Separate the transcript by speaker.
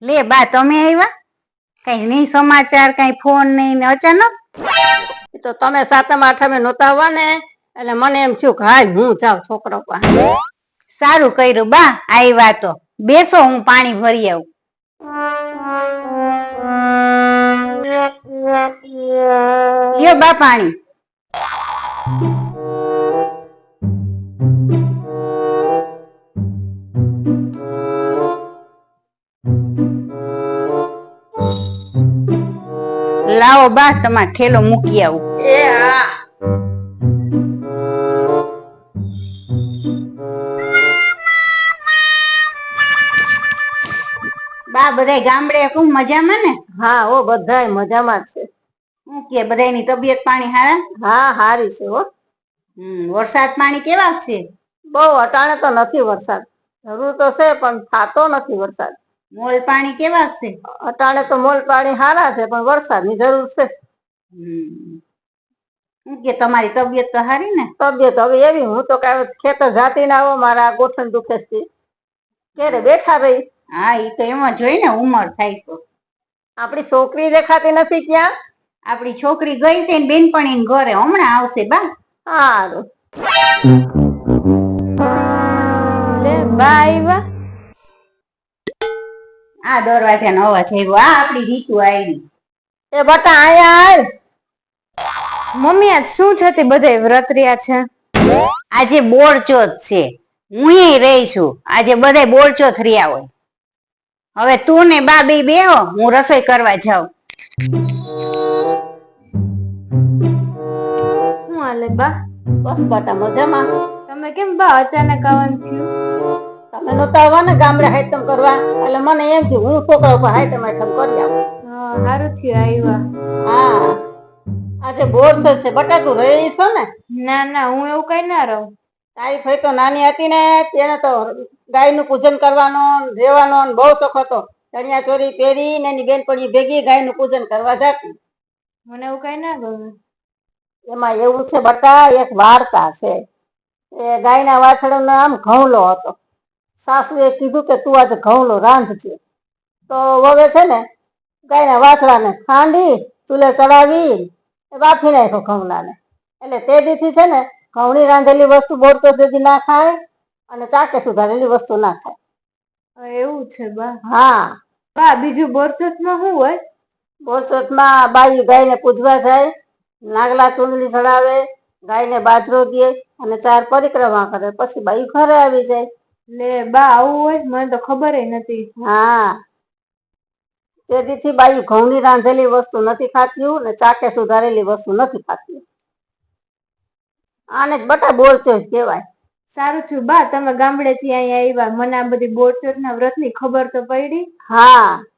Speaker 1: લે બા તમે આવ્યા? કઈ નહીં સમાચાર, કઈ ફોન નહીં ને અચાનક?
Speaker 2: તો તમે સાતમ આઠમે નહોતા આવવા ને એટલે મને એમ થયું કે હાલ હું જાઉં છોકરો પાસે.
Speaker 1: સારું કર્યું બા આવ્યા તો. બેસો હું પાણી ભરી આવું. લ્યો બા પાણી. લાવો બા તમારે ઠેલો મૂકી આવું.
Speaker 2: એ હા.
Speaker 1: બા બધાય ગામડે ખૂબ મજામાં ને?
Speaker 2: હા હો બધાય મજામાં જ છે.
Speaker 1: શું કે બધાયની તબિયત પાણી હારા?
Speaker 2: હા હારી છે હો.
Speaker 1: વરસાદ પાણી કેવા છે?
Speaker 2: બહુ અટાણે તો નથી વરસાદ. જરૂર તો છે પણ થાતો નથી વરસાદ.
Speaker 1: મોલ પાણી કેવા છે?
Speaker 2: અટાણે તો મોલ પાણી હારા છે પણ વરસાદની જરૂર છે.
Speaker 1: શું કે તમારી તબિયત તો હારી ને?
Speaker 2: તબિયત હવે એવી, હું તો કાંઈ ખેતર જાતી ના આવો, મારા ગોઠણ દુખે છે. ક્યારે બેઠા રહી.
Speaker 1: હા એ તો એમ જ હોય ને, ઉંમર થાય તો.
Speaker 2: આપણી છોકરી દેખાતી નથી ક્યાં?
Speaker 1: આપણી છોકરી ગઈ છે ને બેનપણી ઘરે, હમણાં આવશે બા.
Speaker 2: સારું.
Speaker 1: લે બા આવ્યા? આ દરવાજાનો અવાજ આવ્યો. આ આપણી રીતુ આવી.
Speaker 2: એ બટા આયા આય.
Speaker 1: મમ્મી આજ શું છે તે બધાય વ્રત રહ્યા છે? આજે બોળચોથ છે. હું રહી છું. આજે બધાય બોળચોથ રહ્યા હોય. હવે તું ને બા બે બેહો, હું રસોઈ કરવા જાઉં. શું હાલે બા?
Speaker 2: બસ બટા મજામાં.
Speaker 1: તમે કેમ બા અચાનક આવવાનું થયું?
Speaker 2: તમે નહોતા આવવા ને ગામડે હાઈતમ કરવા, એટલે મને એમ થયું હું છોકરા ઉપર હાઈતમ કરી આવું.
Speaker 1: સારું થયું આવ્યા.
Speaker 2: હા આજે બોરચોથ છે બટા, તું રહી છો ને?
Speaker 1: ના ના હું એવું કઈ ના રહું.
Speaker 2: તારી ફઈ તો નાની હતી ને તેને તો ગાયનું પૂજન કરવાનો રહેવાનો બહુ શોખ હતો. ચણિયા ચોરી પહેરી ને એની બેનપણી ભેગી ગાયનું પૂજન કરવા જતી.
Speaker 1: મને એવું કઈ ના ગમે.
Speaker 2: એમાં એવું છે બટા, એક વાર્તા છે. એ ગાયના વાછડાનું નામ ઘઉલો હતો. સાસુએ કીધું કે તું આજે ઘઉલો રાંધજે. તો વવે છે ને ગાયના વાછડાને ખાંડી ચૂલે ચડાવી બાફી નાખ્યો ઘઉલાને. એટલે તે દીથી છે ને ઘઉંની રાંધેલી વસ્તુ બોળચોથ દી ના ખાય અને ચાકે સુધારેલી વસ્તુ ના ખાય.
Speaker 1: એવું છે બા?
Speaker 2: હા
Speaker 1: બા બીજું બોરચોથમાં શું હોય?
Speaker 2: બોરચોથમાં બાઈ ગાયને પૂજવા જાય, નાગલા ચૂંદડી ચડાવે, ગાયને બાજરો દે અને 4 પરિક્રમા કરે, પછી બાઈ ઘરે આવી જાય.
Speaker 1: લે બા આવું હોય? મને તો ખબર નથી.
Speaker 2: હા તે દીથી બાઈ ઘઉંની રાંધેલી વસ્તુ નથી ખાતી ને ચાકે સુધારેલી વસ્તુ નથી ખાતી. આને જ બટા બોળચોથ કહેવાય.
Speaker 1: સારું છું બા તમે ગામડે થી અહીંયા આવ્યા, મને આ બધી બોળચોથના વ્રતની ખબર તો પડી.
Speaker 2: હા